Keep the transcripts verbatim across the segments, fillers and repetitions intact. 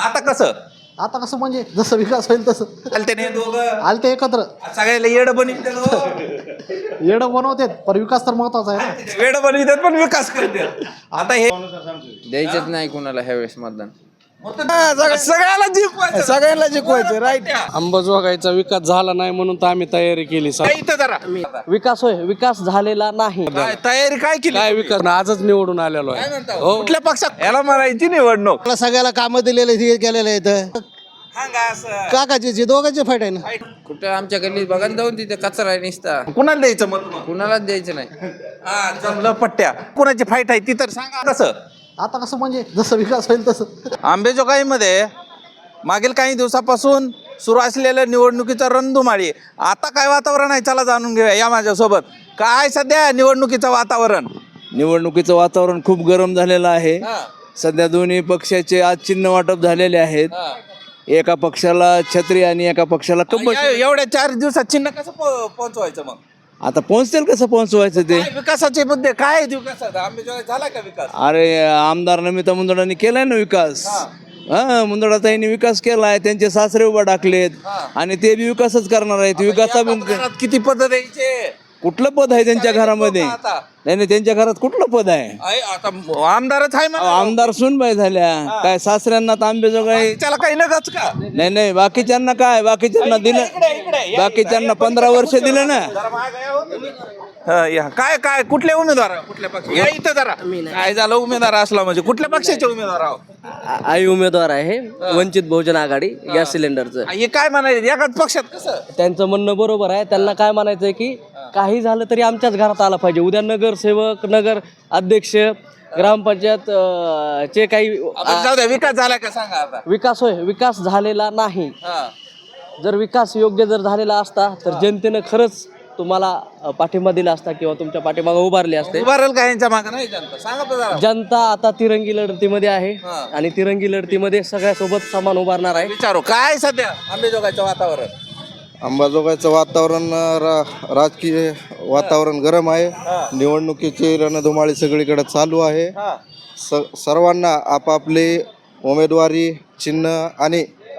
आता कसं आता कसं म्हणजे जसं विकास होईल तसं आलते नाही दोघं आलते एकत्र सगळ्याला येड बनवित येडं बनवतात पण विकास तर महत्वाचा आहे ना. वेड बनवितात पण विकास करतात. आता हे द्यायचंच नाही कुणाला ह्यावेळेस मतदान. सगळ्याला जिंकवायचं सगळ्यांना जिंकवायचं राईट. अंबाजोगाईचा विकास झाला नाही म्हणून तर आम्ही तयारी केली. काय इथं जरा विकास होय विकास झालेला नाही. काय तयारी काय केली काय विकास आजच निवडून आलेलो काय आहे. म्हणता? कुठल्या पक्षात याला म्हणायची निवडणूक सगळ्याला कामं दिलेले हे केलेले आहेत. सांगा असं काकाची जे दोघांचे फाईट आहे ना. कुठं आमच्या गल्लीत बघा ना जाऊन तिथे कचरा आहे निसता. कुणाला द्यायचं मत मग? कुणालाच द्यायचं नाही. हा जमलं पट्ट्या कुणाची फाईट आहे ती तर सांगा कसं. आता कसं म्हणजे जसं विकास होईल तसं. आंबेजोगाईमध्ये मागील काही दिवसापासून सुरू असलेल्या निवडणुकीचा रणधुमाळी. आता काय वातावरण आहे चला जाणून घेऊया या माझ्यासोबत. काय सध्या निवडणुकीचं वातावरण? निवडणुकीचं वातावरण खूप गरम झालेलं आहे. सध्या दोन्ही पक्षाचे आज चिन्ह वाटप झालेले आहेत. एका पक्षाला छत्री आणि एका पक्षाला कंबळ. या- एवढ्या चार दिवसात चिन्ह कसं पो- पोहोचवायचं मग? आता पोहोचतील कसं पोहोचवायचं ते. काय विकासाचे मुद्दे काय आहेत विकासात? आंबेजोगाईत झाला का विकास? अरे आमदार नमिता मुंदडांनी केलाय ना विकास. हा मुंदडाताईंनी विकास केलाय. त्यांचे सासरे उभा टाकलेत आणि ते बी विकासच करणार आहेत. विकासा एका घरात किती पद द्यायचे? कुठलं पद आहे त्यांच्या घरामध्ये? आता नाही नाही त्यांच्या घरात कुठलं पद आहे? आहे, आता आमदारच आहे म्हणा. आमदार सुनबाई झाल्या काय सासऱ्यांना तर आंबेजोगाई. त्याला काही नगच का? नाही नाही बाकीच्यांना काय बाकीच्यांना दिलं. इकडे, इकडे, या, बाकीच्यांना पंधरा वर्ष दिलं ना. जरा मागं या हो तुम्ही. हा, या. काय काय कुठले उमेदवार कुठल्या पक्ष या इथं जरा काय झालं उमेदवार असला म्हणजे कुठल्या पक्षाचे उमेदवार आहो? आई उमेदवार आहे वंचित बहुजन आघाडी गॅस सिलेंडरचं. हे काय म्हणायचं एकाच पक्षात कसं? त्यांचं म्हणणं बरोबर आहे. त्यांना काय म्हणायचं आहे की काही झालं तरी आमच्याच घरात आला पाहिजे. उद्या नगरसेवक नगर अध्यक्ष ग्रामपंचायत अं, चे काही आपण जाऊ द्या विकास झाला का सांगा आता. विकास होय विकास झालेला नाही. हा. जर विकास योग्य जर झालेला असता तर जनतेनं खरंच तुम्हाला अं, पाठिंबा दिला असता किंवा तुमच्या पाठीमागे उभारले असते. उभारेल का यांच्या मागं नाही जनता? सांगा तर जरा. जनता आता तिरंगी लढतीमध्ये आहे आणि तिरंगी लढतीमध्ये सगळ्यासोबत समान उभारणार आहे. विचारू काय सध्या आंबेजोगाईचं वातावरण? अंबाजोगाईचं वातावरण रा- राजकीय वातावरण गरम आहे. निवडणुकीची रणधुमाळी सगळीकडे चालू आहे. स सर्वांना आपापले उमेदवारी चिन्ह आणि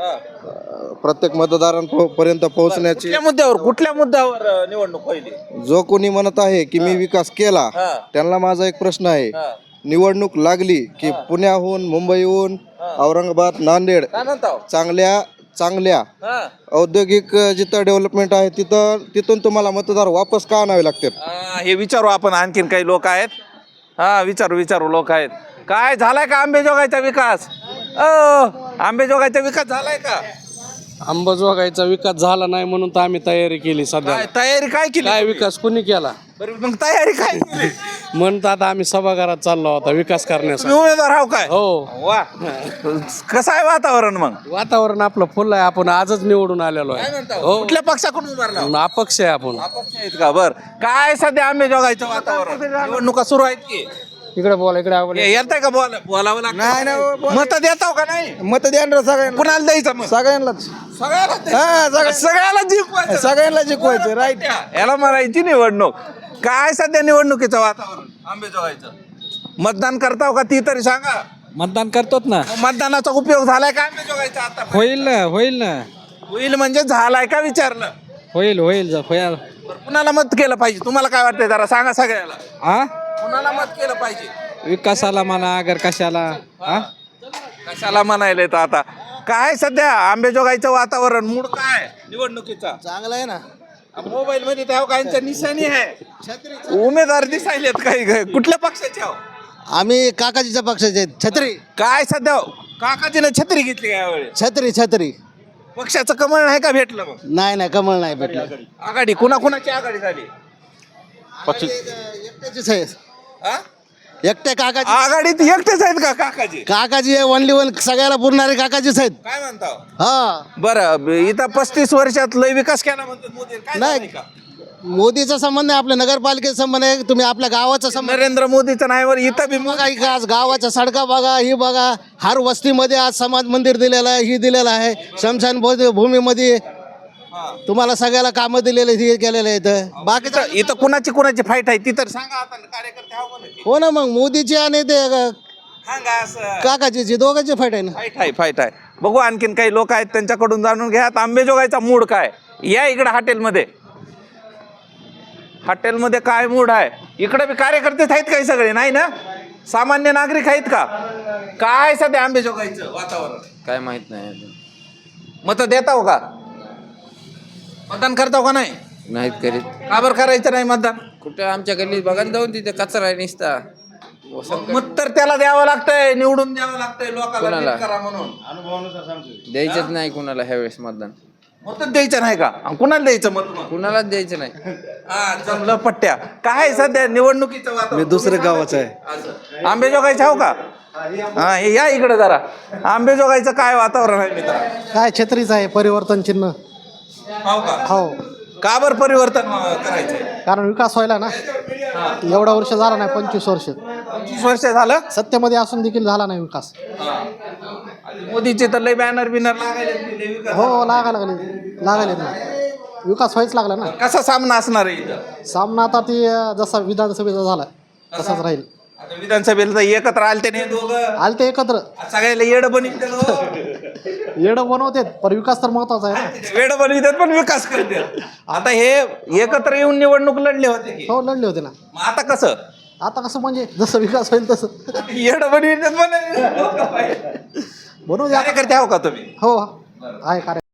प्रत्येक मतदारांपर्यंत पोहोचण्याची. कुठल्या मुद्द्यावर कुठल्या मुद्द्यावर अं, निवडणूक पहिली? जो कोणी म्हणत आहे की मी विकास केला त्यांना माझा एक प्रश्न आहे. निवडणूक लागली की पुण्याहून मुंबईहून औरंगाबाद नांदेड काय म्हणता? चांगल्या चांगल्या हा. औद्योगिक जिथं डेव्हलपमेंट आहे तिथं तिथून तुम्हाला मतदार वापस का आणावे लागतात. हा, हे विचारू आपण. आणखीन काही लोक आहेत. हा विचारू विचारू लोक आहेत. काय झालाय का आंबेजोगाईचा विकास? अ आंबेजोगाईचा विकास झालाय का? अंबाजोगाईचा विकास झाला नाही म्हणून तर आम्ही तयारी केली. सध्या काय तयारी काय केली? काय विकास कुणी केला बरं, मग तयारी काय केली? म्हणून आता आम्ही सभागृहात चाललो होता विकास करण्यासाठी. तुम्ही उमेदवार आहो काय? हो वा कसं आहे वातावरण मग? वातावरण आपलं फुल आहे. आपण आजच निवडून आलेलो काय आहे. म्हणता? हो. कुठल्या पक्षाकडून उभारला? अपक्ष आहे आपण. अपक्ष आहेत का? बर काय सध्या आंबेजोगाईचं वातावरण? निवडणुका सुरू आहेत की इकडे बोला इकडे हे येतंय का बोला बोलावं लागतं? मत देताव का नाही? मत द्या सगळ्यांना कुणाला द्यायचं मग? सगळ्यांनाच सगळ्याला द्यायचं. सगळ्याला जिंकवायचं. सगळ्यांना जिंकवायचं राईट. याला म्हणायची निवडणूक. काय सध्या निवडणुकीचं वातावरण आंबेजोगाईचं? मतदान करताव का ती तरी सांगा. मतदान करतोच ना. मग मतदानाचा उपयोग झालाय का आंबेजोगाईचा आता? होईल ना होईल ना होईल म्हणजे झालाय का विचारलं? होईल होईल जा- होईल. बरं, कुणाला मत केलं पाहिजे? तुम्हाला काय वाटतंय जरा सांगा सगळ्याला. हा कुणाला मत केलं पाहिजे? विकासाला म्हणा अगर कशाला. हा कशाला म्हणायला येतं आता? काय सध्या आंबेजोगाईचं वातावरण मूड काय निवडणुकीचा? चांगलं आहे ना. मोबाईल मध्ये त्या काहींच्या निशाणी आहे. उमेदवार दिसायलेत काही काही. कुठल्या पक्षाचे आहो? आम्ही काकाजीच्या पक्षाचे आहेत. छत्री काय सध्या काकाजीने छत्री घेतली का यावेळेस? छत्री छत्री पक्षाचं कमळ नाही का भेटलं मग? नाही नाही कमळ नाही भेटलं. आघाडी कुणा कुणाची आघाडी झाली? एकट्याचीच आहे. हा? एकट्या काकाजी आघाडीत एकटेच आहेत का काकाजी? काकाजी आहे ओनली वन. सगळ्याला पुरणारे काकाजीच आहेत. काय म्हणता? हा बरं इथं पस्तीस वर्षात लय विकास केला म्हणतात मोदी. काय नाही. झालंय का? मोदीचा संबंध आहे आपल्या नगरपालिकेचा संबंध आहे. तुम्ही आपल्या गावाचा संबंध नरेंद्र मोदीचं नाही वर इथं बी बघा. ही आज गावाच्या सडका बघा ही बघा. हर वस्तीमध्ये आज समाज मंदिर दिलेलं आहे. ही दिलेलं आहे. शमशान भू- भूमीमध्ये तुम्हाला सगळ्याला कामं दिलेले हे केलेले आहेत. बाकीचं इथं इथं कुणाची कुणाची फाईट आहे ती तर सांगा आता. कार्यकर्ते आहो म्हणा की. हो ना मग मोदीची आणि ते सांगा असं. काकाजीची दोघांची फाईट आहे ना. फाईट आहे फाईट आहे. बघू आणखीन काही लोक आहेत त्यांच्याकडून जाणून घ्या आंबेजोगाईचा मूड काय. या इकडे हॉटेलमध्ये हॉटेलमध्ये काय मूड आहे. इकडे बी कार्यकर्तेच आहेत काही सगळे नाही ना, सामान्य नागरिक आहेत का. काय सध्या आंबेजोगाईचं वातावरण काय माहित नाही अजून. मत देताव का, मतदान करताव का नाही. नाहीत करीत. का बरं करायचं नाही मतदान. कुठं आमच्या गल्लीत बघा ना जाऊन तिथे कचरा आहे निसता. मत तर त्याला द्यावं लागतंय, निवडून द्यावं लागतंय लोकांना कोणाला? नीट करा म्हणून. द्यायचंच नाही कुणाला ह्यावेळेस मतदान. मतच द्यायचं नाही का, आणि कुणाला द्यायचं मत मग? कुणालाच द्यायचं नाही. हा जमलं पट्ट्या. काय सध्या निवडणुकीचं वातावरण. मी दुसऱ्या गावाचं आहे. असं. आंबेजोगाईचं हो का. हा हे या इकडे जरा. आंबेजोगाईचं काय वातावरण आहे मित्र. काय छत्रीच आहे परिवर्तन चिन्ह. हो का. हो, का बरं परिवर्तन अं, करायचंय. कारण विकास व्हायला ना. एवढा वर्ष झाला नाही, पंचवीस वर्ष पंचवीस वर्ष झालं. सत्तेमध्ये असून देखील झाला नाही विकास. मोदीचे तर लय बॅनर बिनर लागायले. हो, लागायला लागले लागायले ना, विकास व्हायच लागला ना. कसा सामना असणार आहे इथं. सामना आता ती अं, जसा विधानसभेचा झाला तसाच राहील. आता विधानसभेला तर एकत्र आलते नाही दोघं. आले ते एकत्र सगळ्याला येड बनविते येडं बनवते, पण विकास तर महत्वाचा आहे ना. वेड बनवितात पण विकास करते. आता हे एकत्र येऊन निवडणूक लढले होते की. हो, लढले होते ना. मग आता कसं आता कसं म्हणजे जसं विकास होईल तसं येड बनवितात पण बनवू द्या. कार्यकर्ते आहो का तुम्ही. हो, आहे कार्य